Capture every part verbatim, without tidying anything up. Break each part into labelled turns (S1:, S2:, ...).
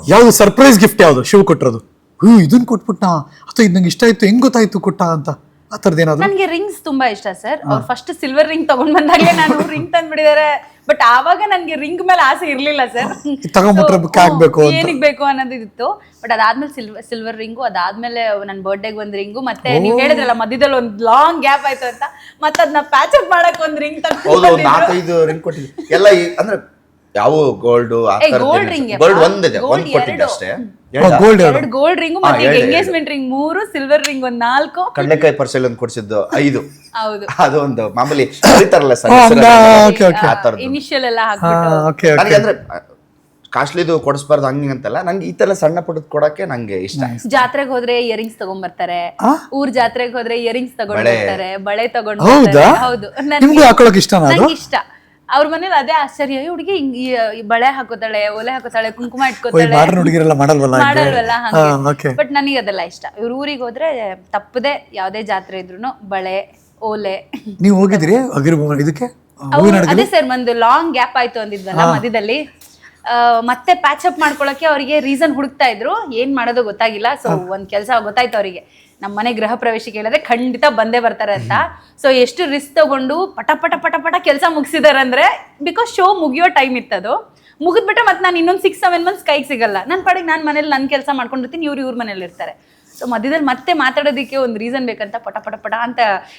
S1: ಯಾವ್ದು surprise gift ಯಾವ್ದು ಶಿವ ಕೊಟ್ಟಿರೋದು? ಹ್ಞೂ ಇದನ್ನ ಕೊಟ್ಬಿಟ್ಟ ಅಥವಾ ಇದು ನಂಗೆ ಇಷ್ಟ ಆಯ್ತು, ಹೆಂಗ್ ಗೊತ್ತಾಯ್ತು ಕೊಟ್ಟ ಅಂತ ಆ ಥರದ್ದು ಏನಾದ್ರು?
S2: ನನಗೆ ರಿಂಗ್ಸ್ ತುಂಬಾ ಇಷ್ಟ ಸರ್. ಅವ್ರು ಫಸ್ಟ್ ಸಿಲ್ವರ್ ರಿಂಗ್ ತಗೊಂಡ್ ಬಂದಾಗಲೇ ನಾನು ರಿಂಗ್ ತಂದ್ಬಿಟ್ಟಿದ್ದಾರೆ. ಬಟ್ ಆವಾಗ ನನ್ಗೆ ರಿಂಗ್ ಮೇಲೆ ಆಸೆ ಇರ್ಲಿಲ್ಲ ಸರ್.
S1: ತಗೊಂಡ್ಬಿಟ್ರೆ ಆಗ್ಬೇಕು
S2: ಏನಿಗೆ ಬೇಕು ಅನ್ನೋದು ಇತ್ತು. ಬಟ್ ಅದಾದ್ಮೇಲೆ ಸಿಲ್ವರ್ ಸಿಲ್ವರ್ ರಿಂಗು, ಅದಾದ್ಮೇಲೆ ನನ್ನ ಬರ್ಡೇಗೆ ಒಂದ್ ರಿಂಗು, ಮತ್ತೆ ನೀವ್ ಹೇಳಿದ್ರಲ್ಲ ಮಧ್ಯದಲ್ಲಿ ಒಂದ್ ಲಾಂಗ್ ಗ್ಯಾಪ್ ಆಯ್ತು ಅಂತ, ಮತ್ತೆ ಅದನ್ನ ಪ್ಯಾಚ್ ಅಪ್ ಮಾಡಕ್ ಒಂದ್ ರಿಂಗ್
S3: ಹೌದು, ನಾಲ್ಕೈದು ರಿಂಗ್ ಕೊಟ್ಟಿದ್ವಿ ಎಲ್ಲ. ಅಂದ್ರೆ ಯಾವ ಗೋಲ್ಡ್
S2: ಗೋಲ್ಡ್ ರಿಂಗ್
S3: ಗೋಲ್ಡ್ ಒಂದಿದೆ, ಒಂದ್ ಕೊಟ್ಟಿದ್ದೆ ಅಷ್ಟೇ.
S1: ಗೋಲ್ಡ್
S2: ಎರಡು ಗೋಲ್ಡ್ ರಿಂಗು ಮತ್ತೆ ಎಂಗೇಜ್ಮೆಂಟ್ ರಿಂಗ್ ಮೂರು, ಸಿಲ್ವರ್ ರಿಂಗ್ ಒಂದ್ ನಾಲ್ಕು,
S3: ಕಡ್ಲೆಕಾಯಿ ಪರ್ಸೆಲ್ ಒಂದು ಕೊಡ್ಸಿದ್ದು ಐದು.
S2: ಹೌದು,
S3: ಅದು ಒಂದು ಮಾಮೂಲಿ ಕರೀತಾರಲ್ಲ ಸರ್,
S2: ಇನಿಷಿಯಲ್ ಎಲ್ಲ ಹಾಕ್ಬಿಟ್ಟು.
S3: ನನಗೆ ಅಂದ್ರೆ ಕಾಸ್ಟ್ಲಿದು ಕೊಡಿಸ್ಬಾರ್ದು ಹಂಗೆ ಅಂತಲ್ಲ, ನಂಗೆ ಈ ತರ ಸಣ್ಣ ಪುಟ್ಟದ್ ಕೊಡಕ್ಕೆ ನಂಗೆ ಇಷ್ಟ.
S2: ಜಾತ್ರೆಗೆ ಹೋದ್ರೆ ಇಯರಿಂಗ್ಸ್ ತಗೊಂಡ್ ಬರ್ತಾರೆ, ಊರ್ ಜಾತ್ರೆಗೆ ಹೋದ್ರೆ ಇಯರಿಂಗ್ಸ್ ತಗೊಂಡ್ ಬರ್ತಾರೆ, ಬಳೆ ತಗೊಂಡ್
S1: ಹೌದಾ?
S2: ಹೌದು,
S1: ನಿಮ್ಗೂ ಹಾಕೊಳಕ್ ಇಷ್ಟನಾ ಅದು?
S2: ನಂಗೆ ಇಷ್ಟ. ಅವ್ರ ಮನೇಲಿ ಅದೇ ಆಶ್ಚರ್ಯ, ಹುಡುಗಿ ಬಳೆ ಹಾಕೋತಾಳೆ, ಒಲೆ ಹಾಕೋತಾಳೆ, ಕುಂಕುಮ ಇಟ್ಕೋತಾಳೆ,
S1: ಹುಡುಗಿರೆಲ್ಲ ಮಾಡಲ್ವಲ್ಲ
S2: ಮಾಡಲ್ವಲ್ಲ ಹಂಗೆ. ಬಟ್ ನನಗೆ ಅದೆಲ್ಲ ಇಷ್ಟ. ಇವ್ರ ಊರಿಗೆ ಹೋದ್ರೆ ತಪ್ಪದೆ ಯಾವ್ದೇ ಜಾತ್ರೆ ಇದ್ರು ಬಳೆ, ಓಲೆ.
S1: ನೀವು ಹೋಗಿದ್ರಿ ಇದಕ್ಕೆ?
S2: ಅದೇ ಸರ್, ಒಂದು ಲಾಂಗ್ ಗ್ಯಾಪ್ ಆಯ್ತು ಅಂದಿದ್ವಲ್ಲ ಮಧ್ಯದಲ್ಲಿ, ಮತ್ತೆ ಪ್ಯಾಚ್ ಅಪ್ ಮಾಡ್ಕೊಳಕ್ಕೆ ಅವರಿಗೆ ರೀಸನ್ ಹುಡುಕ್ತಾ ಇದ್ರು. ಏನ್ ಮಾಡೋದು ಗೊತ್ತಾಗಿಲ್ಲ. ಸೊ ಒಂದ್ ಕೆಲಸ ಗೊತ್ತಾಯ್ತು ಅವರಿಗೆ, ನಮ್ಮ ಮನೆ ಗೃಹ ಪ್ರವೇಶಕ್ಕೆ ಹೇಳಿದ್ರೆ ಖಂಡಿತ ಬಂದೇ ಬರ್ತಾರೆ ಅಂತ. ಸೊ ಎಷ್ಟು ರಿಸ್ಕ್ ತಗೊಂಡು ಪಟ ಪಟ ಪಟ ಪಟ ಕೆಲಸ ಮುಗಿಸಿದಾರೆ ಅಂದ್ರೆ, ಬಿಕಾಸ್ ಶೋ ಮುಗಿಯೋ ಟೈಮ್ ಇತ್ತದು. ಮುಗಿದ್ಬಿಟ್ರೆ ಮತ್ತೆ ನಾನು ಇನ್ನೊಂದು ಸಿಕ್ಸ್ ಸೆವೆನ್ ಮಂತ್ಸ್ ಕೈಗೆ ಸಿಗಲ್ಲ. ನನ್ನ ಪಾಡಿಗೆ ನಾನು ಮನೇಲಿ ನನ್ನ ಕೆಲಸ ಮಾಡ್ಕೊಂಡಿರ್ತೀನಿ, ಇವ್ರು ಇವ್ರ ಮನೇಲಿ ಇರ್ತಾರೆ. ಸೊ ಮಧ್ಯದಲ್ಲಿ ಮತ್ತೆ ಮಾತಾಡೋದಕ್ಕೆ ಒಂದು ರೀಸನ್ ಬೇಕಂತ ಪಟ ಪಟ ಪಟ ಅಂತ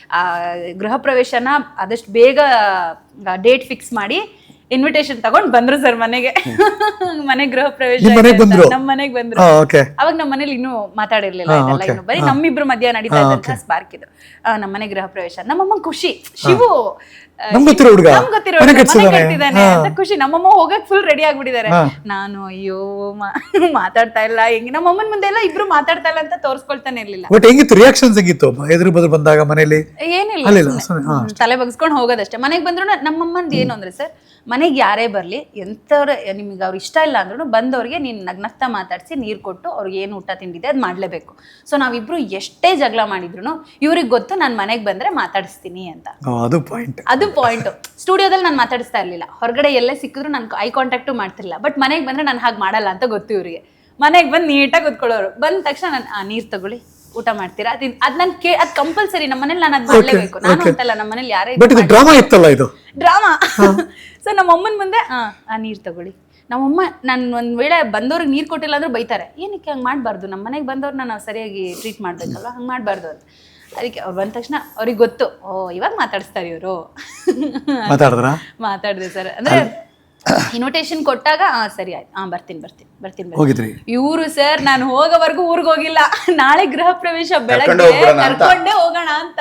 S2: ಗೃಹ ಪ್ರವೇಶನ ಆದಷ್ಟು ಬೇಗ ಡೇಟ್ ಫಿಕ್ಸ್ ಮಾಡಿ ಇನ್ವಿಟೇಷನ್ ತಗೊಂಡ್ ಬಂದ್ರು ಸರ್ ಮನೆಗೆ. ಮನೆ ಗೃಹ ಪ್ರವೇಶ ನಮ್ಮ ಮನೆಗೆ ಬಂದ್ರು. ಅವಾಗ ನಮ್ಮ ಮನೇಲಿ ಇನ್ನೂ ಮಾತಾಡಿರ್ಲಿಲ್ಲ ಇದೆಲ್ಲ, ಇನ್ನು ಬರೀ ನಮ್ಮಿಬ್ರು ಮಧ್ಯ ನಡೀತಾ ಇದ್ದಂತ ಸ್ಪಾರ್ಕ್ ಇದು. ನಮ್ಮ ಮನೆ ಗೃಹ ಪ್ರವೇಶ, ನಮ್ಮಮ್ಮ ಖುಷಿ. ಶಿವು ನಮ್ ಗೊತ್ತಿರೋ ಮನೆ ಕಟ್ತಿದ್ದಾನೆ ಅಂತ ಖುಷಿ. ನಮ್ಮಮ್ಮ ಹೋಗಕ್ ಫುಲ್ ರೆಡಿ ಆಗ್ಬಿಟ್ಟಿದ್ದಾರೆ. ನಾನು ಅಯ್ಯೋ ಮಾತಾಡ್ತಾ ಇಲ್ಲ, ಹೆಂಗ್ ನಮ್ಮಮ್ಮನ ಮುಂದೆ ಎಲ್ಲ ಇಬ್ರು ಮಾತಾಡ್ತಾ ಇಲ್ಲ ಅಂತ ತೋರ್ಸ್ಕೊಳ್ತಾನೆ ಇರ್ಲಿಲ್ಲ.
S1: ಬಟ್ ಹೆಂಗಿತ್ತು ರಿಯಾಕ್ಷನ್ಸ್? ಹೆಂಗಿತ್ತು ಎದುರು ಬದ್ರು ಬಂದಾಗ ಮನೇಲಿ?
S2: ಏನಿಲ್ಲ, ತಲೆ ಬಗ್ಸ್ಕೊಂಡ್ ಹೋಗೋದಷ್ಟೇ. ಮನೆಗ್ ಬಂದ್ರು ನಮ್ಮಮ್ಮಂದ್ ಏನು ಅಂದ್ರೆ ಸರ್, ಮನೆಗೆ ಯಾರೇ ಬರ್ಲಿ, ಎಂತವ್ರ ನಿಮ್ಗೆ ಅವ್ರು ಇಷ್ಟ ಇಲ್ಲ ಅಂದ್ರೂ ಬಂದವ್ರಿಗೆ ನೀನ್ ನಗ್ನಗ್ತಾ ಮಾತಾಡ್ಸಿ ನೀರ್ ಕೊಟ್ಟು ಅವ್ರಿಗೆ ಏನು ಊಟ ತಿಂಡಿದೆ ಅದ್ ಮಾಡ್ಲೇಬೇಕು. ಸೊ ನಾವಿಬ್ರು ಎಷ್ಟೇ ಜಗಳ ಮಾಡಿದ್ರು ಇವ್ರಿಗೆ ಗೊತ್ತು ನಾನ್ ಮನೆಗ್ ಬಂದ್ರೆ ಮಾತಾಡಿಸ್ತೀನಿ ಅಂತ.
S1: ಅದು ಪಾಯಿಂಟ್,
S2: ಅದು ಪಾಯಿಂಟ್. ಸ್ಟುಡಿಯೋದಲ್ಲಿ ನಾನು ಮಾತಾಡಿಸ್ತಾ ಇರ್ಲಿಲ್ಲ, ಹೊರಗಡೆ ಎಲ್ಲೇ ಸಿಕ್ಕಿದ್ರು ನನ್ ಐ ಕಾಂಟ್ಯಾಕ್ಟು ಮಾಡ್ತಿರ್ಲಿಲ್ಲ. ಬಟ್ ಮನೆಗೆ ಬಂದ್ರೆ ನಾನು ಹಾಗೆ ಮಾಡಲ್ಲ ಅಂತ ಗೊತ್ತು ಇವ್ರಿಗೆ. ಮನೆಗೆ ಬಂದು ನೀಟಾಗಿ ಕೂತ್ಕೊಳ್ಳೋರು. ಬಂದ ತಕ್ಷಣ ನಾನು ಆ ನೀರ್ ತಗೊಳ್ಳಿ, ಊಟ ಮಾಡ್ತೀರಾ, ಅದ್ ಅದ್ ನನ್ ಕೇ ಅದ್ ಕಂಪಲ್ಸರಿ. ನಮ್ಮ ಮನೇಲಿ ನಾನು ಅದ್ ಮಾಡ್ಲೇಬೇಕು. ನಾನು ಅಂತಲ್ಲ, ನಮ್ಮ ಮನೇಲಿ ಯಾರೇ
S1: ಡ್ರಾಮಾ ಇತ್ತಲ್ಲ ಇದು
S2: ಡ್ರಾಮಾ. ಸೊ ನಮ್ಮ ಅಮ್ಮನ ಮುಂದೆ ಆ ಆ ನೀರ್ ತಗೊಳ್ಳಿ. ನಮ್ಮಮ್ಮ ನಾನು ಒಂದ್ ವೇಳೆ ಬಂದವ್ರಿಗೆ ನೀರ್ ಕೊಟ್ಟಿಲ್ಲ ಅಂದ್ರೆ ಬೈತಾರೆ, ಏನಕ್ಕೆ ಹಂಗ್ ಮಾಡ್ಬಾರ್ದು, ನಮ್ಮ ಮನೆಗೆ ಬಂದವ್ರನ್ನ ನಾವು ಸರಿಯಾಗಿ ಟ್ರೀಟ್ ಮಾಡ್ಬೇಕಲ್ವ, ಹಂಗ್ ಮಾಡ್ಬಾರ್ದು ಅಂತ. ಅದಕ್ಕೆ ಅವ್ರು ಬಂದ ತಕ್ಷಣ ಅವ್ರಿಗೆ ಗೊತ್ತು, ಓ ಇವಾಗ ಮಾತಾಡಿಸ್ತಾರೆ ಇವರು.
S1: ಮಾತಾಡಿದ್ರ
S2: ಮಾತಾಡಿದೆ ಸರ್. ಅಂದ್ರೆ ಇನ್ವಿಟೇಷನ್ ಕೊಟ್ಟಾಗ ಆ ಸರಿ ಆಯ್ತು, ಹಾ ಬರ್ತೀನಿ ಬರ್ತೀನಿ ಬರ್ತೀನಿ
S1: ಹೋಗಿದ್ರಿ.
S2: ಇವರು ಸರ್ ನಾನು ಹೋಗೋವರೆಗೂ ಊರ್ಗ್ ಹೋಗಿಲ್ಲ. ನಾಳೆ ಗೃಹ ಪ್ರವೇಶ, ಬೆಳಗ್ಗೆ ಕರ್ಕೊಂಡೇ ಹೋಗೋಣ ಅಂತ.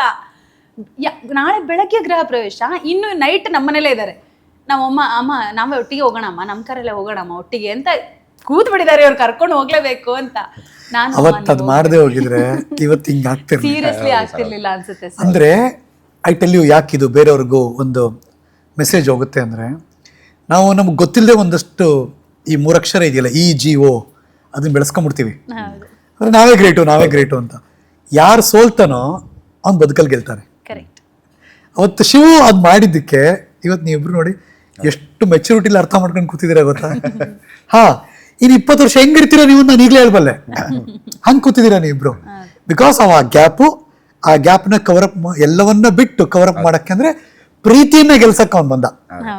S2: ನಾಳೆ ಬೆಳಗ್ಗೆ ಗೃಹ ಪ್ರವೇಶ, ಇನ್ನು ನೈಟ್ ನಮ್ಮನೇಲೇ ಇದ್ದಾರೆ. ನಮ್ಮಮ್ಮ ಅಮ್ಮ ನಾವೇ ಒಟ್ಟಿಗೆ ಹೋಗೋಣಮ್ಮ, ನಮ್ಮ ಕರಲ್ಲೇ ಹೋಗೋಣಮ್ಮ ಒಟ್ಟಿಗೆ ಅಂತ ಕೂತ್ ಬಿಟ್ಟಿದ್ದಾರೆ. ಅವ್ರು ಕರ್ಕೊಂಡು ಹೋಗ್ಲೇಬೇಕು ಅಂತ. ನಾನು
S1: ಅವತ್ತು ಅದ್ ಮಾಡದೆ ಹೋಗಿದ್ರೆ ಇವತ್ತು ಹಿಂಗ ಆಗ್ತಿರ್ಲಿಲ್ಲ.
S2: ಸೀರಿಯಸ್ಲಿ ಆಗ್ತಿರ್ಲಿಲ್ಲ ಅನ್ಸುತ್ತೆ ಸರ್.
S1: ಅಂದ್ರೆ ಐ ಟೆಲ್ ಯು, ಯಾಕಿದು ಬೇರೆಯವ್ರಿಗೂ ಒಂದು ಮೆಸೇಜ್ ಹೋಗುತ್ತೆ ಅಂದ್ರೆ, ನಾವು ನಮ್ಗೆ ಗೊತ್ತಿಲ್ಲದೆ ಒಂದಷ್ಟು ಈ ಮೂರಕ್ಷರ ಇದೆಯಲ್ಲ, ಇ ಜಿ ಓ, ಅದನ್ನ ಬೆಳೆಸ್ಕೊಂಡ್ಬಿಡ್ತೀವಿ. ಅಂದ್ರೆ ನಾವೇ ಗ್ರೇಟು ನಾವೇ ಗ್ರೇಟು ಅಂತ. ಯಾರು ಸೋಲ್ತಾನೋ ಅವ್ನು ಬದುಕಲ್ ಗೆಲ್ತಾನೆ.
S2: ಕರೆಕ್ಟ್.
S1: ಅವತ್ತು ಶಿವು ಅದ್ ಮಾಡಿದ್ದಕ್ಕೆ ಇವತ್ತು ನೀವಿಬ್ರು ನೋಡಿ ಎಷ್ಟು ಮೆಚುರಿಟಿಲಿ ಅರ್ಥ ಮಾಡ್ಕೊಂಡು ಕೂತಿದ್ದೀರಾ ಗೊತ್ತಾ? ಹಾ, ಇನ್ ಇಪ್ಪತ್ತು ವರ್ಷ ಹೆಂಗಿರ್ತೀರಾ ನೀವು ನಾನು ಈಗಲೇ ಹೇಳ್ಬಲ್ಲೆ. ಹಂಗೆ ಕೂತಿದ್ದೀರಾ ನೀವಿಬ್ರು. ಬಿಕಾಸ್ ಅವ ಗ್ಯಾಪು, ಆ ಗ್ಯಾಪ್ನ ಕವರಪ್, ಎಲ್ಲವನ್ನ ಬಿಟ್ಟು ಕವರಪ್ ಮಾಡಕ್ಕೆ ಅಂದ್ರೆ ಪ್ರೀತಿಯನ್ನ ಗೆಲ್ಸಕ್ಕೆ ಅವ್ನು ಬಂದ.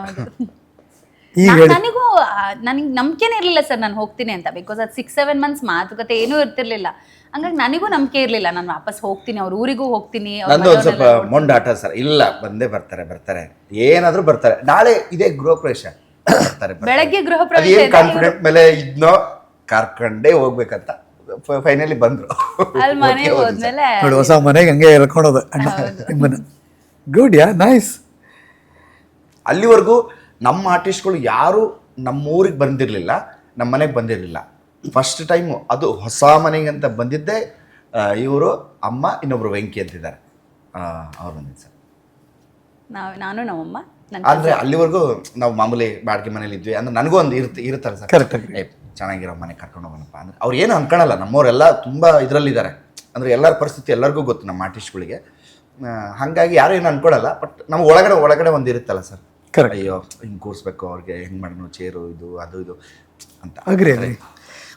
S2: ನನಗೂ ನನಗೆ ನಂಬಿಕೆನೇ ಇರ್ಲಿಲ್ಲ ಸರ್ ನಾನು ಹೋಗ್ತೀನಿ ಅಂತ. ಬಿಕಾಸ್ ಅದು ಸಿಕ್ಸ್ ಸೆವೆನ್ ಮಂತ್ಸ್ ಮಾತುಕತೆ ಏನೂ ಇರ್ತಿರ್ಲಿಲ್ಲ. ಹಂಗಾಗಿ ನನಗೂ ನಂಬಿಕೆ ಇರ್ಲಿಲ್ಲ ನಾನು ವಾಪಸ್ ಹೋಗ್ತೀನಿ, ಅವ್ರ ಊರಿಗೂ ಹೋಗ್ತೀನಿ.
S3: ನಂದು ಒಂದ್ ಸ್ವಲ್ಪ ಮೊಂಡಾಟ ಸರ್. ಇಲ್ಲ ಬಂದೇ ಬರ್ತಾರೆ ಬರ್ತಾರೆ ಏನಾದ್ರೂ ಬರ್ತಾರೆ. ನಾಳೆ ಇದೇ ಗೃಹ ಪ್ರವೇಶ ಬರ್ತಾರೆ,
S2: ಬೆಳಗ್ಗೆ ಗೃಹ ಪ್ರವೇಶ
S3: ಕಾನ್ಫಿಡೆಂಟ್ ಮೇಲೆ ಇದ್ನೋ ಕರ್ಕೊಂಡೇ ಹೋಗ್ಬೇಕಂತ ಫೈನಲಿ ಬಂದ್ರು.
S2: ಅಲ್ಲಿ ಮನೆಗೆ ಹೋದ್ಮೇಲೆ
S1: ಹೊಸ ಮನೆಗೆ ಹಂಗೆ ಹೇಳ್ಕೊಳೋದು ನಿಮ್ಮನ್ನ. Good, yeah nice.
S3: ಅಲ್ಲಿವರೆಗೂ ನಮ್ಮ ಆರ್ಟಿಸ್ಟ್ಗಳು ಯಾರು ನಮ್ಮ ಊರಿಗೆ ಬಂದಿರಲಿಲ್ಲ, ನಮ್ಮ ಮನೆಗೆ ಬಂದಿರಲಿಲ್ಲ. ಫಸ್ಟ್ ಟೈಮು ಅದು ಹೊಸ ಮನೆಗೆ ಅಂತ ಬಂದಿದ್ದೆ ಇವರು, ಅಮ್ಮ, ಇನ್ನೊಬ್ರು ವೆಂಕಿ ಅಂತಿದ್ದಾರೆ, ಅವ್ರು ಬಂದಿದ್ದು ಸರ್.
S2: ನಾವು ನಾನು ನಮ್ಮಮ್ಮ.
S3: ಅಂದರೆ ಅಲ್ಲಿವರೆಗೂ ನಾವು ಮಾಮೂಲಿ ಬಾಡಿಗೆ ಮನೇಲಿ ಇದ್ವಿ. ಅಂದ್ರೆ ನನಗೂ ಒಂದು ಇರುತ್ತೆ ಇರುತ್ತಲ್ಲ ಸರ್, ಏ ಚೆನ್ನಾಗಿರೋ ಮನೆ ಕರ್ಕೊಂಡು ಹೋಗೋಣಪ್ಪ ಅಂದ್ರೆ ಅವ್ರು ಏನು ಅನ್ಕೊಳಲ್ಲ. ನಮ್ಮವರೆಲ್ಲ ತುಂಬ ಇದರಲ್ಲಿದ್ದಾರೆ. ಅಂದರೆ ಎಲ್ಲರ ಪರಿಸ್ಥಿತಿ ಎಲ್ಲರಿಗೂ ಗೊತ್ತು ನಮ್ಮ ಆರ್ಟಿಸ್ಟ್ಗಳಿಗೆ. ಹಾಗಾಗಿ ಯಾರು ಏನು ಅನ್ಕೊಳಲ್ಲ. ಬಟ್ ನಮ್ಮ ಒಳಗಡೆ ಒಳಗಡೆ ಒಂದು ಇರುತ್ತಲ್ಲ ಸರ್, ಅಯ್ಯೋ ಹಿಂಗೆ ಕೂರಿಸ್ಬೇಕು, ಅವ್ರಿಗೆ ಹೆಂಗೆ ಮಾಡೋಣ, ಚೇರು ಇದು ಅದು ಇದು ಅಂತ.
S1: Agri agri.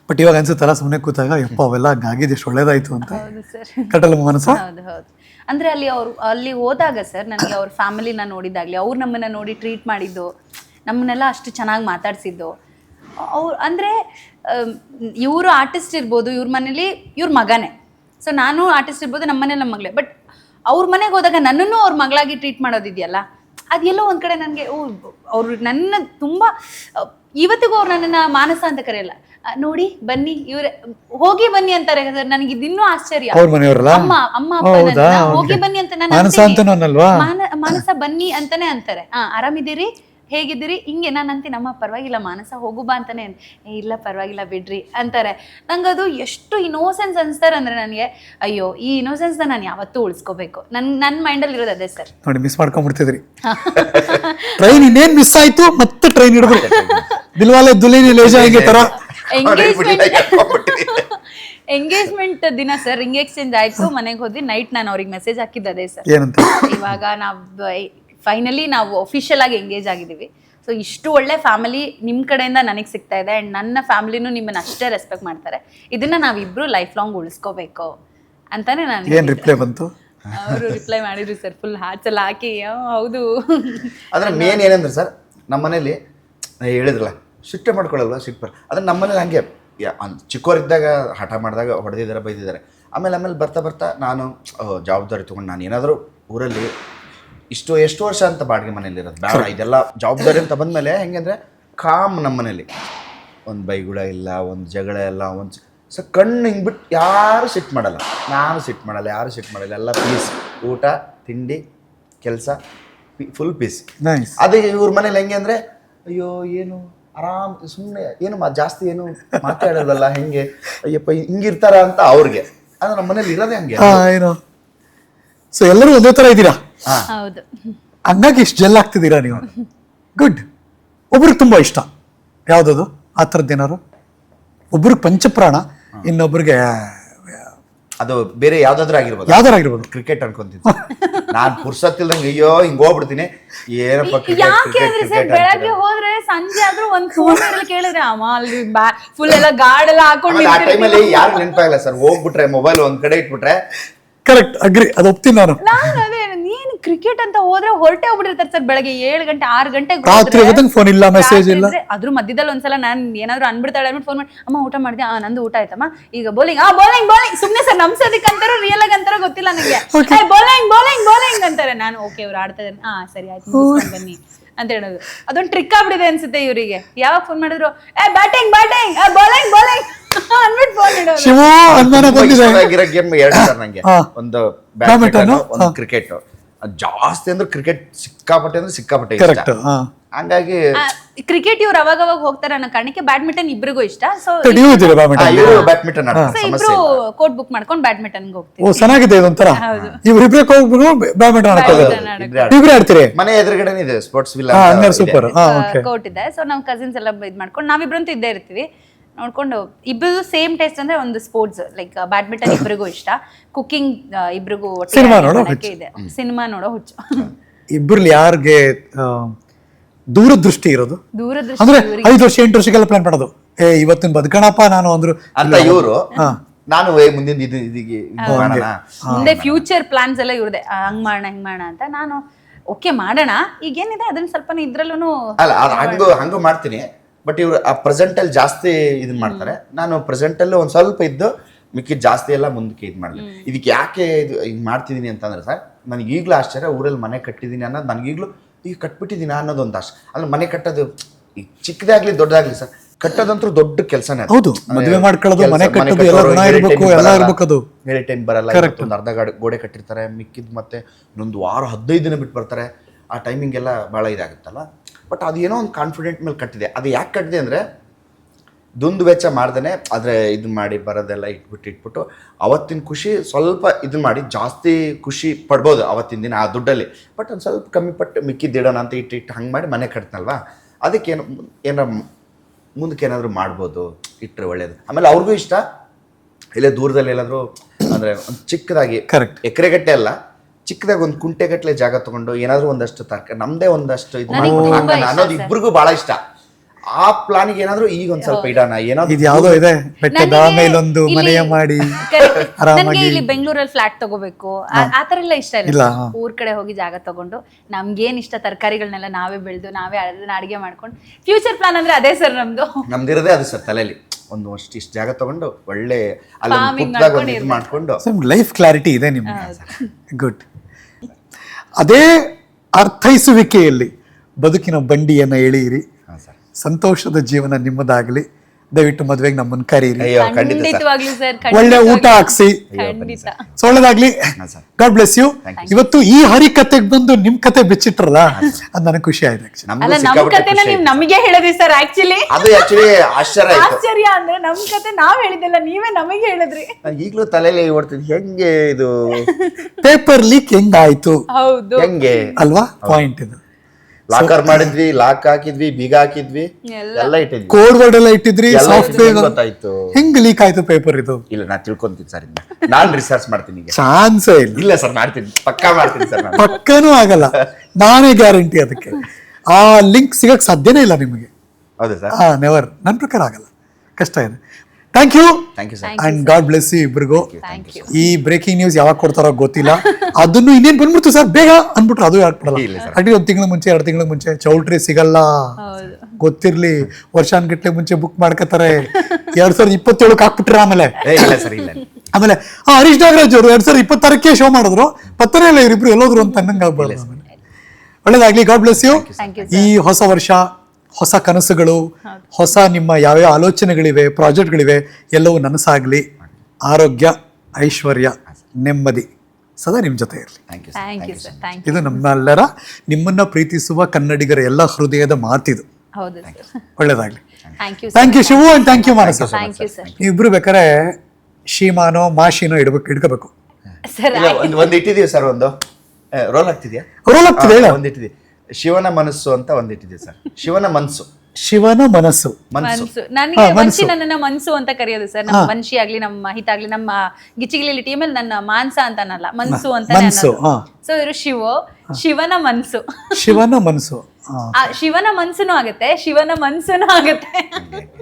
S1: ಬಟ್ ಇವಾಗ ಅನ್ಸುತ್ತಲ್ಲ ಸುಮ್ಮನೆ ಕೂತಾಗ ಯಪ್ಪ ಅವೆಲ್ಲ ಆಗಿದ್ದು ಎಷ್ಟು ಒಳ್ಳೇದಾಯ್ತು ಅಂತ
S2: ಹೌದು ಸರ್.
S1: ಕಟ್ಟಲ್ಲ ಮನಸ್ಸ.
S2: ಹೌದು ಹೌದು. ಅಂದ್ರೆ ಅಲ್ಲಿ ಅವ್ರು ಅಲ್ಲಿ ಹೋದಾಗ ಸರ್ ನನಗೆ ಅವ್ರ ಫ್ಯಾಮಿಲಿನ ನೋಡಿದಾಗ್ಲಿ, ಅವ್ರು ನಮ್ಮನ್ನ ನೋಡಿ ಟ್ರೀಟ್ ಮಾಡಿದ್ದು, ನಮ್ಮನ್ನೆಲ್ಲ ಅಷ್ಟು ಚೆನ್ನಾಗಿ ಮಾತಾಡ್ಸಿದ್ದು, ಅವ್ರು ಅಂದರೆ ಇವರು ಆರ್ಟಿಸ್ಟ್ ಇರ್ಬೋದು, ಇವ್ರ ಮನೇಲಿ ಇವ್ರ ಮಗನೇ, ಸೊ ನಾನು ಆರ್ಟಿಸ್ಟ್ ಇರ್ಬೋದು, ನಮ್ಮ ಮನೇಲಿ ನಮ್ಮ ಮಗಳೇ, ಬಟ್ ಅವ್ರ ಮನೆಗೆ ಹೋದಾಗ ನನ್ನನ್ನು ಅವ್ರ ಮಗಳಾಗಿ ಟ್ರೀಟ್ ಮಾಡೋದಿದೆಯಲ್ಲ, ಅದೆಲ್ಲೋ ಒಂದು ಕಡೆ ನನಗೆ ಓ ಅವರು ನನ್ನ ತುಂಬ ಇವತ್ತಿಗೂ ಅವ್ರು ನನ್ನನ್ನು ಮಾನಸ ಅಂತ ಕರೆಯಲ್ಲ, ನೋಡಿ ಬನ್ನಿ ಇವ್ರೆ ಹೋಗಿ ಬನ್ನಿ ಅಂತಾರೆ ಸರ್. ನನಗೆ ಇದಿನ್ನೂ ಆಶ್ಚರ್ಯ.
S1: ಅವ್ರ ಮನೆಯವರಲ್ಲ
S2: ಅಮ್ಮ ಅಮ್ಮ ಅಪ್ಪ ಹೋಗಿ ಬನ್ನಿ ಅಂತ ನಾನು
S1: ಮಾನಸ ಅಂತಾನೂ ಅನ್ನಲ್ವಾ?
S2: ಮಾನ- ಮಾನಸ ಬನ್ನಿ ಅಂತಾನೆ ಅಂತಾರೆ. ಹಾ ಆರಾಮಿದ್ದೀರಿ, ಹೇಗಿದ್ದೀರಿ, ಹಿಂಗೆ ನಾನು ಅಂತೀನಿ ಅಮ್ಮ ಪರವಾಗಿಲ್ಲ ಮಾನಸ ಹೋಗು ಬಾ ಅಂತಾನೆ, ಏ ಇಲ್ಲ ಪರವಾಗಿಲ್ಲ ಬಿಡ್ರಿ ಅಂತಾರೆ. ನಂಗೆ ಅದು ಎಷ್ಟು ಇನೋಸೆನ್ಸ್ ಅನ್ಸ್ತಾರೆ ಅಂದ್ರೆ ನನಗೆ, ಅಯ್ಯೋ ಈ ಇನೋಸೆನ್ಸ್ನ ನಾನು ಯಾವತ್ತೂ ಉಳಿಸ್ಕೋಬೇಕು. ನನ್ ನನ್ನ ಮೈಂಡಲ್ಲಿ ಇರೋದು ಅದೇ ಸರ್.
S1: ನೋಡಿ ಮಿಸ್ ಮಾಡ್ಕೊಂಡ್ಬಿಡ್ತಿದ್ರಿ ಟ್ರೈನ್, ಇನ್ನೇನ್ ಮಿಸ್ ಆಯ್ತು ಮತ್ತೆ ಟ್ರೈನ್ ಹಿಡಿದ್ರು ದಿಲ್ವಾಲೆ ದುಲೇನಿ ಲೇಜಾ ಹಿಂಗೆ ತರ
S2: ಎಂಗೇಜ್ಮೆಂಟ್ ಎಂಗೇಜ್ಮೆಂಟ್ ದಿನ ಸರ್ ರಿಂಗ್ ಎಕ್ಸ್ಚೇಂಜ್ ಆಯ್ತು, ಮನೆಗೆ ಹೋದ್ವಿ. ನೈಟ್ ನಾನು ಅವ್ರಿಗೆ ಮೆಸೇಜ್ ಹಾಕಿದ್ದೆ ಅದೇ ಸರ್,
S1: ಏನಂತ,
S2: ಇವಾಗ ನಾವು ಫೈನಲಿ ನಾವು ಅಫಿಷಿಯಲ್ ಆಗಿ ಎಂಗೇಜ್ ಆಗಿದ್ದೀವಿ. ಸೊ ಇಷ್ಟು ಒಳ್ಳೆ ಫ್ಯಾಮಿಲಿ ನಿಮ್ಮ ಕಡೆಯಿಂದ ನನಗೆ ಸಿಗ್ತಾ ಇದೆ, ಆ್ಯಂಡ್ ನನ್ನ ಫ್ಯಾಮಿಲಿನೂ ನಿಮ್ಮನ್ನ ಅಷ್ಟೇ ರೆಸ್ಪೆಕ್ಟ್ ಮಾಡ್ತಾರೆ. ಇದನ್ನ ನಾವಿಬ್ರು ಲೈಫ್ ಲಾಂಗ್ ಉಳಿಸ್ಕೋಬೇಕು ಅಂತಾನೆ ನಾನು.
S1: ಏನ್ ರಿಪ್ಲೈ ಬಂತು?
S2: ಅವರು ರಿಪ್ಲೈ ಮಾಡಿದ್ರು ಸರ್, ಫುಲ್ ಹಾರ್ಟ್ಸ್ ಎಲ್ಲ ಹಾಕಿ ಆ, ಹೌದು.
S3: ಅಂದ್ರೆ ಮೇನ್ ಏನಂದ್ರೆ ಸರ್, ನಮ್ಮ ಮನೇಲಿ ಹೇಳಿದ್ರಲ್ಲ ಸಿಟ್ಟೆ ಮಾಡ್ಕೊಳ್ಳಲ್ವ, ಸಿಟ್ಟು ಬರ್ ಅದನ್ನ ನಮ್ಮ ಮನೇಲಿ ಹಂಗೆ ಚಿಕ್ಕವರಿದ್ದಾಗ ಹಠ ಮಾಡಿದಾಗ ಹೊಡೆದಿದ್ದಾರೆ, ಬೈದಿದ್ದಾರೆ. ಆಮೇಲೆ ಆಮೇಲೆ ಬರ್ತಾ ಬರ್ತಾ ನಾನು ಜವಾಬ್ದಾರಿ ತೊಗೊಂಡು ನಾನು ಏನಾದರೂ ಊರಲ್ಲಿ ಇಷ್ಟು ಎಷ್ಟು ವರ್ಷ ಅಂತ ಬಾಡಿಗೆ ಮನೇಲಿ ಇರೋದು ಬೇಡ, ಇದೆಲ್ಲ ಜವಾಬ್ದಾರಿ ಅಂತ ಬಂದಮೇಲೆ ಹೆಂಗಂದ್ರೆ ಕಾಮ್ ನಮ್ಮ ಮನೇಲಿ ಒಂದು ಬೈಗುಳ ಇಲ್ಲ, ಒಂದು ಜಗಳ ಇಲ್ಲ, ಒಂದು ಸೊ ಕಣ್ಣು ಹಿಂಗೆ ಬಿಟ್ಟು ಯಾರು ಸಿಟ್ಟು ಮಾಡಲ್ಲ, ನಾನು ಸಿಟ್ಟು ಮಾಡಲ್ಲ, ಯಾರು ಸಿಟ್ಟು ಮಾಡಲ್ಲ, ಎಲ್ಲ ಪೀಸ್, ಊಟ ತಿಂಡಿ ಕೆಲಸ ಫುಲ್ ಪೀಸ್. ಅದೇ ಇವ್ರ ಮನೇಲಿ ಹೆಂಗೆ ಅಂದರೆ ಅಯ್ಯೋ ಏನು ಆರಾಮ್ ಸುಮ್ಮನೆ ಏನು ಮಾ ಜಾಸ್ತಿ ಏನು ಮಾತಾಡಲ್ವಲ್ಲ, ಹೆಂಗೆ ಅಯ್ಯಪ್ಪ ಹಿಂಗಿರ್ತಾರ ಅಂತ ಅವ್ರಿಗೆ. ಅದು ನಮ್ಮ ಮನೇಲಿ ಇರೋದೇ ಹಂಗೆ
S1: ಏನು. ಸೊ ಎಲ್ಲರೂ ಒಂದೇ ತರ ಇದ್ದೀರಾ,
S2: ಹೌದು.
S1: ಹಂಗಾಗಿ ಇಷ್ಟು ಜೆಲ್ ಆಗ್ತಿದ್ದೀರಾ ನೀವು. ಗುಡ್. ಒಬ್ರಿಗೆ ತುಂಬಾ ಇಷ್ಟ ಯಾವ್ದದು ಆ ಥರದ್ದು ಏನಾರು? ಒಬ್ರಿಗೆ ಪಂಚಪ್ರಾಣ, ಇನ್ನೊಬ್ರಿಗೆ
S3: ಅದು ಬೇರೆ ಯಾವ್ದಾದ್ರು ಆಗಿರ್ಬೋದು,
S1: ಯಾವ್ದಾರು ಆಗಿರ್ಬೋದು.
S3: ಕ್ರಿಕೆಟ್ ಅನ್ಕೊಂತಿದ್ದೆ ನಾನು ಪುರ್ಸತ್ತಿಲ್ದಂಗೆ, ಅಯ್ಯೋ ಹಿಂಗ್ ಹೋಗ್ಬಿಡ್ತೀನಿ, ಏನಪ್ಪ
S2: ಯಾಕೆ ಅಂದ್ರೆ ಸರ್ ಬೆಳಗ್ಗೆ ಹೋದ್ರೆ ಸಂಜೆ ಆದ್ರೂ ಒಂದ್ ಫೋನ್ ಕೇಳಿದ್ರೆ ಅಮ್ಮ ಅಲ್ಲಿ ಫುಲ್ ಎಲ್ಲ ಗಾರ್ಡ್ ಎಲ್ಲ ಹಾಕೊಂಡು
S3: ಆ ಟೈಮಲ್ಲಿ ಯಾರು ನೆನಪಾಗಲ್ಲ ಸರ್, ಹೋಗ್ಬಿಟ್ರೆ ಮೊಬೈಲ್ ಒಂದ್ ಕಡೆ ಇಟ್ಬಿಟ್ರೆ.
S1: ಕರೆಕ್ಟ್, ಅಗ್ರಿ, ಅದು ಒಪ್ತೀನಿ ನಾನು.
S2: ನಾನು ಅದೇ ನೀನು ಕ್ರಿಕೆಟ್ ಅಂತ ಹೋದ್ರೆ ಹೊರಟೆ ಹೋಗ್ಬಿಟ್ಟಿರ್ತಾರೆ ಸರ್, ಬೆಳಗ್ಗೆ ಏಳು ಗಂಟೆ ಆರು ಗಂಟೆಗೆ
S1: ರಾತ್ರಿ ಫೋನ್ ಇಲ್ಲ, ಮೆಸೇಜ್ ಇಲ್ಲ.
S2: ಅದ್ರ ಮಧ್ಯದಲ್ಲಿ ಒಂದ್ಸಲ ನಾನು ಏನಾದ್ರು ಅನ್ಬಿಡ್ತಾಳೆ ಅಂದ್ಬಿಟ್ಟು ಫೋನ್ ಮಾಡಿ, ಅಮ್ಮ ಊಟ ಮಾಡಿದ್ಯಾ? ಆ ನಂದು ಊಟ ಆಯ್ತಮ್ಮ, ಈಗ ಬೌಲಿಂಗ್, ಆ ಬೌಲಿಂಗ್ ಬೌಲಿಂಗ್ ಸುಮ್ನೆ ಸರ್ ನಮ್ಸೋದಕ್ಕೆ ಅಂತಾರೋ ರಿಯಲ್ ಆಗಿ ಅಂತಾರೋ ಗೊತ್ತಿಲ್ಲ ನನಗೆ, ಬೌಲಿಂಗ್ ಬೌಲಿಂಗ್ ಬೌಲಿಂಗ್ ಅಂತಾರೆ. ನಾನು ಓಕೆ ಇವ್ರು ಆಡ್ತಾ ಇದ್ದಾರೆ, ಹಾ ಸರಿ ಆಯ್ತು ಮುಗಿಸ್ಕೊಂಡು ಬನ್ನಿ ಅಂತ ಹೇಳೋದು. ಅದೊಂದು ಟ್ರಿಕ್ ಆಗ್ಬಿಟ್ಟಿದೆ ಅನ್ಸುತ್ತೆ ಇವರಿಗೆ. ಯಾವಾಗ ಫೋನ್ ಮಾಡಿದ್ರು, ಏ ಬ್ಯಾಟಿಂಗ್ ಬ್ಯಾಟಿಂಗ್ ಬೌಲಿಂಗ್ ಬೌಲಿಂಗ್ ಅನ್ಬಿಟ್ಟು ಫೋನ್ ಇಡೋದು.
S1: ಶಿವ ಅನುಮಾನ ಬಂದಿದೆ.
S3: ಗೇಮ್ ಎರಡು ಸರ್ ನಂಗೆ, ಒಂದು ಬ್ಯಾಡ್ಮಿಂಟನ್, ಒಂದು ಕ್ರಿಕೆಟ್. ಜಾಸ್ತಿ ಅಂದ್ರೆ ಕ್ರಿಕೆಟ್ ಸಿಕ್ಕಾಪಟ್ಟೆ ಅಂದ್ರೆ ಸಿಕ್ಕಾಪಟ್ಟೆ ಇಷ್ಟ. ಹಂಗಾಗಿ
S2: ಕ್ರಿಕೆಟ್ ಇವ್ರು ಅವಾಗ ಅವಾಗ ಹೋಗ್ತಾರೆ ಅನ್ನೋ ಕಾರಣಕ್ಕೆ ಬ್ಯಾಡ್ಮಿಂಟನ್ ಇಬ್ರಿಗೂ ಇಷ್ಟ. ಸೊ
S3: ಇವರು ಬ್ಯಾಡ್ಮಿಂಟನ್
S2: ಇಬ್ರು ಕೋಟ್ ಬುಕ್ ಮಾಡ್ಕೊಂಡು ಬ್ಯಾಡ್ಮಿಂಟನ್ ಹೋಗ್ತೀವಿ.
S1: ಓ ಚೆನ್ನಾಗಿದೆ ಇದೊಂಥರ. ಇವ್ರಿಬ್ರೆ ಹೋಗ್ಬಿಟ್ಟು ಬ್ಯಾಡ್ಮಿಂಟನ್ ಆಡ್ತಾರೆ, ಇಬ್ರೇ ಆಡ್ತೀರಿ.
S3: ಮನೆ ಎದುರುಗಡೆನೇ ಇದೆ ಸ್ಪೋರ್ಟ್ಸ್ ವಿಲ್ಲಾ,
S1: ಸೂಪರ್
S2: ಕೋರ್ಟ್ ಇದೆ. ಸೊ ನಾವು ಕಸಿನ್ಸ್ ಎಲ್ಲ ಇದ್ ಮಾಡ್ಕೊಂಡು ನಾವಿಬ್ರಂತೂ ಇದ್ದೇ ಇರ್ತೀವಿ ನೋಡ್ಕೊಂಡು. ಇಬ್ರು ಸೇಮ್ ಟೇಸ್ಟ್ ಅಂದ್ರೆ ಒಂದು ಸ್ಪೋರ್ಟ್ಸ್ ಲೈಕ್ ಬ್ಯಾಡ್ಮಿಂಟನ್ ಇಬ್ರಿಗೂ ಇಷ್ಟ, ಕುಕಿಂಗ್ ಇಬ್ರಿಗೂ ಇದೆ, ಸಿನಿಮಾ ನೋಡೋ ಹುಚ್ಚು.
S1: ಇಬ್ರಲ್ಲಿ ಯಾರಿಗೆ ದೂರದೃಷ್ಟಿ ಇರೋದು?
S2: ದೂರದೃಷ್ಟಿ
S1: ಅಂದ್ರೆ ಐದು ವರ್ಷ ಎಂಟು ವರ್ಷಕ್ಕೆಲ್ಲ ಪ್ಲಾನ್ ಮಾಡೋದು, ಏ ಇವತ್ತಿನ ಬದುಕಣಪ್ಪ ನಾನು ಅಂದ್ರು
S3: ಅಂತ ಇವರು. ನಾನು ಮುಂದಿನ ಇದು ಇದೀಗೆ
S2: ಮುಂದೆ ಫ್ಯೂಚರ್ ಪ್ಲಾನ್ಸ್ ಎಲ್ಲ ಇವ್ರದೆ, ಹಂಗ್ ಮಾಡೋಣ ಹಿಂಗ್ ಮಾಡೋಣ ಅಂತ. ನಾನು ಓಕೆ ಮಾಡೋಣ, ಈಗೇನಿದೆ ಅದನ್ನ ಸ್ವಲ್ಪ ಇದ್ರಲ್ಲೂ
S3: ಅಲ್ಲ ಹಂಗು ಹಂಗು ಮಾಡ್ತೀನಿ. ಬಟ್ ಇವ್ರು ಆ ಪ್ರೆಸೆಂಟ್ ಅಲ್ಲಿ ಜಾಸ್ತಿ ಇದನ್ನ ಮಾಡ್ತಾರೆ, ನಾನು ಪ್ರೆಸೆಂಟ್ ಅಲ್ಲಿ ಒಂದ್ ಸ್ವಲ್ಪ ಇದ್ದು ಮಿಕ್ಕಿದ್ ಜಾಸ್ತಿ ಎಲ್ಲ ಮುಂದಕ್ಕೆ ಇದು ಮಾಡಿದೆ. ಇದಕ್ಕೆ ಯಾಕೆ ಇದು ಹಿಂಗ್ ಮಾಡ್ತಿದೀನಿ ಅಂತಂದ್ರೆ ಸರ್, ನನಗೆ ಈಗಲೂ ಆಶ್ಚರ್ಯ, ಊರಲ್ಲಿ ಮನೆ ಕಟ್ಟಿದೀನಿ ಅನ್ನೋದು ನನಗೀಗ್ಲೂ ಈಗ ಕಟ್ಬಿಟ್ಟಿದ್ದೀನಿ ಅನ್ನೋದು ಒಂದು ಆಶ್ಚರ್ಯ. ಅಂದ್ರೆ ಮನೆ ಕಟ್ಟೋದು ಈಗ ಚಿಕ್ಕದಾಗ್ಲಿ ದೊಡ್ಡದಾಗ್ಲಿ ಸರ್, ಕಟ್ಟೋದಂತೂ ದೊಡ್ಡ ಕೆಲಸನೇ.
S1: ಹೌದು, ಮದುವೆ ಮಾಡ್ಕೊಳ್ಳೋದು, ಮನೆ ಕಟ್ಟೋದು ಎಲ್ಲ ಋಣ ಇರಬೇಕು, ಎಲ್ಲ ಇರಬೇಕು. ಅದು
S3: ಹೇಳಿ ಟೈಮ್ ಬರಲ್ಲ. ಒಂದು ಅರ್ಧ ಗೋಡೆ ಕಟ್ಟಿರ್ತಾರೆ, ಮಿಕ್ಕಿದ್ ಮತ್ತೆ ಇನ್ನೊಂದು ವಾರ ಹದಿನೈದು ದಿನ ಬಿಟ್ಟು ಬರ್ತಾರೆ. ಆ ಟೈಮಿಂಗ್ ಎಲ್ಲ ಭಾಳ ಇದಾಗುತ್ತಲ್ಲ. ಬಟ್ ಅದು ಏನೋ ಒಂದು ಕಾನ್ಫಿಡೆಂಟ್ ಮೇಲೆ ಕಟ್ಟಿದೆ. ಅದು ಯಾಕೆ ಕಟ್ಟಿದೆ ಅಂದರೆ, ದುಂದು ವೆಚ್ಚ ಮಾಡ್ದೇ ಆದರೆ ಇದನ್ನ ಮಾಡಿ ಬರೋದೆಲ್ಲ ಇಟ್ಬಿಟ್ಟು ಇಟ್ಬಿಟ್ಟು ಅವತ್ತಿನ ಖುಷಿ ಸ್ವಲ್ಪ ಇದನ್ನ ಮಾಡಿ ಜಾಸ್ತಿ ಖುಷಿ ಪಡ್ಬೋದು ಅವತ್ತಿನ ದಿನ ಆ ದುಡ್ಡಲ್ಲಿ. ಬಟ್ ಒಂದು ಸ್ವಲ್ಪ ಕಮ್ಮಿ ಪಟ್ಟು ಮಿಕ್ಕಿದ್ದಿಡೋಣ ಅಂತ ಇಟ್ಟು ಇಟ್ಟು ಹಂಗೆ ಮಾಡಿ ಮನೆ ಕಟ್ತನಲ್ವಾ, ಅದಕ್ಕೇನು ಏನಾರ ಮುಂದಕ್ಕೆ ಏನಾದರೂ ಮಾಡ್ಬೋದು ಇಟ್ಟರೆ ಒಳ್ಳೇದು. ಆಮೇಲೆ ಅವ್ರಿಗೂ ಇಷ್ಟ ಇಲ್ಲೇ ದೂರದಲ್ಲಿ ಎಲ್ಲಾದರೂ ಅಂದರೆ ಒಂದು ಚಿಕ್ಕದಾಗಿ, ಕರೆಕ್ಟ್ ಎಕರೆಗಟ್ಟೆ ಅಲ್ಲ, ಚಿಕ್ಕದಾಗಿ ಒಂದು ಕುಂಟೆಗಟ್ಟಲೆ ಜಾಗ ತಗೊಂಡು ಏನಾದರೂ ಒಂದಷ್ಟು ತರಕಾರಿ ನಮ್ಮದೇ ಒಂದಷ್ಟು ಇದು ಅನ್ನೋದು ಇಬ್ರಿಗೂ ಭಾಳ ಇಷ್ಟ. ಆ ಪ್ಲಾನಿಗೆ ಏನಾದ್ರು ಈಗ ಒಂದ್ ಸ್ವಲ್ಪ ಇಡೋಣ ಏನಾದ್ರು
S1: ಇದು ಯಾವ್ದೋ ಇದೆ ಬೆಟ್ಟದ ಮೇಲೊಂದು ಮನೆಯ ಮಾಡಿ ಆರಾಮಾಗಿ
S2: ನನಗೆ ಇಲ್ಲಿ ಬೆಂಗಳೂರಲ್ಲಿ ಫ್ಲಾಟ್ ತಗೋಬೇಕು ಆ- ಆತರ ಎಲ್ಲ ಇಷ್ಟ ಇಲ್ಲ
S1: ಇಲ್ಲ,
S2: sir. ಊರ್ ಕಡೆ ಹೋಗಿ ಜಾಗ ತಗೊಂಡು ನಮ್ಗೇನ್ ಇಷ್ಟ ತರಕಾರಿಗಳನ್ನೆಲ್ಲ ನಾವೇ ಬೆಳೆದು ನಾವೇ ಅದನ್ನ ಅಡಿಗೆ ಮಾಡ್ಕೊಂಡು ಫ್ಯೂಚರ್ ಪ್ಲಾನ್ ಅಂದ್ರೆ ಅದೇ ಸರ್ ನಮ್ದು.
S3: ನಮ್ದಿರೋದೇ ಅದು ಸರ್ ತಲೆಯಲ್ಲಿ ಒಂದು ಅಷ್ಟು ಇಷ್ಟು ಜಾಗ ತಗೊಂಡು ಒಳ್ಳೆ ಅಲ್ಲಿ ಒಂದು
S2: Farming
S3: ಪುಟ್ಟದಾಗ ಒಂದು
S2: ಮಾಡ್ಕೊಂಡು
S3: ಇದು ಮಾಡ್ಕೊಂಡು
S1: ಲೈಫ್ ಕ್ಲಾರಿಟಿ ಇದೆ ನಿಮ್ಗೆ. ಗುಡ್. ಅದೇ ಅರ್ಥೈಸುವಿಕೆಯಲ್ಲಿ ಬದುಕಿನ ಬಂಡಿಯನ್ನ ಎಳೆಯಿರಿ.
S3: ಹಾ ಸರ್.
S1: ಸಂತೋಷದ ಜೀವನ ನಿಮ್ಮದಾಗ್ಲಿ. ದಯವಿಟ್ಟು ಮದ್ವೆಗೆ ನಮ್ಮನ್ನ ಕರೀರಿ.
S3: ಅಯ್ಯೋ ಖಂಡಿತ ಸರ್.
S2: ಖಂಡಿತವಾಗ್ಲೂ ಸರ್
S1: ಒಳ್ಳೆ ಊಟ ಹಾಕ್ಸಿ.
S2: ಖಂಡಿತ.
S1: ಸೊ ಒಳ್ಳೇದಾಗ್ಲಿ.
S3: ಹಾ ಸರ್.
S1: God bless you. ಇವತ್ತು ಈ ಹರಿ ಕತೆಗೆ ಬಂದು ನಿಮ್ ಕತೆ ಬಿಚ್ಚಿಟ್ರಲ್ಲ ಅದು ನನಗೆ ಖುಷಿ ಆಯ್ತು actually.
S3: ನಮ್ಗೂ
S2: ಅಲ್ಲ ನಮ್
S3: ಸಿಕ್ಕಾಪಟ್ಟೆ
S2: ಕತೆನ
S3: ಖುಷಿ
S2: ನೀವ್
S3: ಆಯ್ತು.
S2: ನಮಗೆ ಹೇಳಿದ್ರಿ ಸರ್ ಆಕ್ಚುಲಿ.
S3: ಅದು ಆಕ್ಚುಲಿ ಆಶ್ಚರ್ಯ ಆಯ್ತು.
S2: ಆಶ್ಚರ್ಯ ಅಂದ್ರೆ ನಮ್ ಕತೆ ನಾವ್ ಹೇಳಿದ್ದಲ್ಲ ನೀವೇ ನಮಗೆ ಹೇಳಿದ್ರಿ.
S3: ನಾನು ಈಗಲೂ ತಲೆಯಲ್ಲಿ ಓಡ್ತಿದ್ದೆ ಹೆಂಗೆ ಇದು
S1: ಪೇಪರ್ ಲೀಕ್ ಹೆಂಗಾಯ್ತು
S2: ಹೌದು
S3: ಹೆಂಗೆ
S1: ಅಲ್ವಾ ಪಾಯಿಂಟ್ ಇದು.
S3: ಲಾಕರ್ ಮಾಡಿದ್ವಿ, ಲಾಕ್ ಹಾಕಿದ್ವಿ, ಬೀಗ ಹಾಕಿದ್ವಿ, ಎಲ್ಲ ಇಟ್ಟಿದ್ವಿ.
S1: ಕೋಡ್ ವರ್ಡ್ ಎಲ್ಲ ಇಟ್ಟಿದ್ರಿ,
S3: ಎಲ್ಲ
S1: ಸಾಫ್ಟ್ವೇರ್
S3: ಹೆಂಗ್ ಗೊತ್ತಾಯ್ತು?
S1: ಹೆಂಗ್ ಲೀಕ್ ಆಯ್ತು ಪೇಪರ್ ಇದು?
S3: ಇಲ್ಲ ನಾ ತಿಳ್ಕೊಂತೀನಿ ಸರ್ ಇನ್ನ ನಾನ್ ರಿಸರ್ಚ್ ಮಾಡ್ತೀನಿ ಈಗ.
S1: ಚಾನ್ಸೇ ಇಲ್ಲ.
S3: ಇಲ್ಲ ಸರ್ ಮಾಡ್ತೀನಿ, ಪಕ್ಕಾ ಮಾಡ್ತೀನಿ ಸರ್ ನಾನು.
S1: ಪಕ್ಕನೂ ಆಗಲ್ಲ, ನಾನೇ ಗ್ಯಾರಂಟಿ ಅದಕ್ಕೆ. ಆ ಲಿಂಕ್ ಸಿಗಕ್ ಸಾಧ್ಯನೇ ಇಲ್ಲ ನಿಮಗೆ.
S3: ಹೌದು ಸರ್.
S1: ಹಾ ನೆವರ್, ನನ್ನ ಪ್ರಕಾರ ಆಗಲ್ಲ, ಕಷ್ಟ ಇದೆ. Thank you
S3: thank you sir.
S1: And god bless you ಇಬ್ರಿಗೂ.
S2: Thank you.
S1: ಈ ಬ್ರೇಕಿಂಗ್ ನ್ಯೂಸ್ ಯಾವಾಗ ಕೊಡ್ತಾರೋ ಗೊತ್ತಿಲ್ಲ, ಅದನ್ನು ಇನ್ನೇನ್ ಬಂದ್ಬಿಡ್ತು ಸರ್ ಬೇಗ ಅಂದ್ಬಿಟ್ರು, ಅದು ಯಾಕೆ ಕೊಡಲ್ಲ.
S3: ಇಲ್ಲ ಸರ್.
S1: ಅಡಿ ಒಂದ್ ತಿಂಗಳ ಮುಂಚೆ ಎರಡು ತಿಂಗಳ ಮುಂಚೆ ಚೌಲ್ಟ್ರಿ ಸಿಗಲ್ಲ,
S2: ಹೌದು.
S1: ಗೊತ್ತಿರ್ಲಿ. ವರ್ಷಾನ್ಗಟ್ಲೆ ಮುಂಚೆ ಬುಕ್ ಮಾಡ್ಕೋತಾರೆ. ಎರಡ್ ಸಾವಿರದ ಇಪ್ಪತ್ತೇಳಕ್ಕೆ ಹಾಕ್ಬಿಟ್ರೆ ಆಮೇಲೆ
S3: ಏ ಇಲ್ಲ ಸರ್ ಇಲ್ಲ.
S1: ಆಮೇಲೆ ಆ ಹರೀಶ್ ನಾಗರಾಜ್ ಅವರು ಎರಡ್ ಸಾವಿರದ ಇಪ್ಪತ್ತಾರಕ್ಕೆ ಶೋ ಮಾಡಿದ್ರು, ಪತ್ತನೇ ಇಲ್ಲ ಇವರಿಬ್ರು ಎಲ್ಲೋದ್ರು ಅಂತ ಅನ್ನಂಗೆ ಆಗ್ಬಾರ್ದು. ಆಮೇಲೆ ಒಳ್ಳೇದಾಗ್ಲಿ, God bless you.
S2: Thank you.
S1: ಈ ಹೊಸ ವರ್ಷ ಹೊಸ ಕನಸುಗಳು, ಹೊಸ ನಿಮ್ಮ ಯಾವ್ಯಾವ ಆಲೋಚನೆಗಳಿವೆ, ಪ್ರಾಜೆಕ್ಟ್ಗಳಿವೆ, ಎಲ್ಲವೂ ನನಸಾಗ್ಲಿ. ಆರೋಗ್ಯ, ಐಶ್ವರ್ಯ, ನೆಮ್ಮದಿ ಸದಾ ನಿಮ್ಮ ಜೊತೆ ಇರಲಿ.
S3: Thank you
S2: thank you sir. Thank you.
S1: ಇದು ನಮ್ಮೆಲ್ಲರ, ನಿಮ್ಮನ್ನ ಪ್ರೀತಿಸುವ ಕನ್ನಡಿಗರ ಎಲ್ಲ ಹೃದಯದ ಮಾತಿದು.
S2: ಹೌದು ಸರ್.
S1: ಒಳ್ಳೇದಾಗ್ಲಿ.
S2: Thank you.
S1: Thank you Shivu and thank you Manasa.
S2: Thank you sir.
S1: ನೀವಿಬ್ರು ಬೇಕಾರೆ ಶೀಮಾನೋ ಮಾಶಿನೋ ಇಡ್ಬೇಕು, ಇಡ್ಕೋಬೇಕು.
S2: ಸರ್
S3: ಇಲ್ಲ ಒಂದ್ ಒಂದ್ ಇಟ್ಟಿದೀವಿ ಸರ್, ಒಂದು ರೋಲ್ ಆಗ್ತಿದ್ಯಾ?
S1: ರೋಲ್ ಆಗ್ತದೆ ಹೇಳ.
S3: ಒಂದ್ ಇಟ್ಟಿದೀವಿ, ಶಿವನ ಮನಸ್ಸು ಅಂತ ಒಂದ್ ಇಟ್ಟಿದೀವಿ ಸರ್. ಶಿವನ ಮನಸ್ಸು,
S1: ಶಿವನ ಮನಸ್ಸು.
S3: ಮನಸ್ಸು.
S2: ಮನ್ಸು ನನಗೆ ಮನ್ಸಿ ನನ್ನನ್ನ ಮನ್ಸು ಅಂತ ಕರೆಯೋದು ಸರ್. ನಮ್ಮ ಮನ್ಷಿ ಆಗ್ಲಿ, ನಮ್ಮ ಮಹಿತ ಆಗ್ಲಿ, ನಮ್ಮ ಗಿಚಿಗಿಲಿ ಟೀಮಲ್ಲಿ ನನ್ನ ಮಾಂಸ ಅಂತಾನಲ್ಲ, ಮನ್ಸು ಅಂತ.
S1: ಮನ್ಸು, ಹಾ.
S2: ಸೊ ಇವರು ಶಿವ, ಶಿವನ ಮನ್ಸು.
S1: ಶಿವನ ಮನಸ್ಸು.
S2: ಆ ಶಿವನ ಮನ್ಸುನು ಆಗತ್ತೆ, ಶಿವನ ಮನ್ಸುನು ಆಗತ್ತೆ.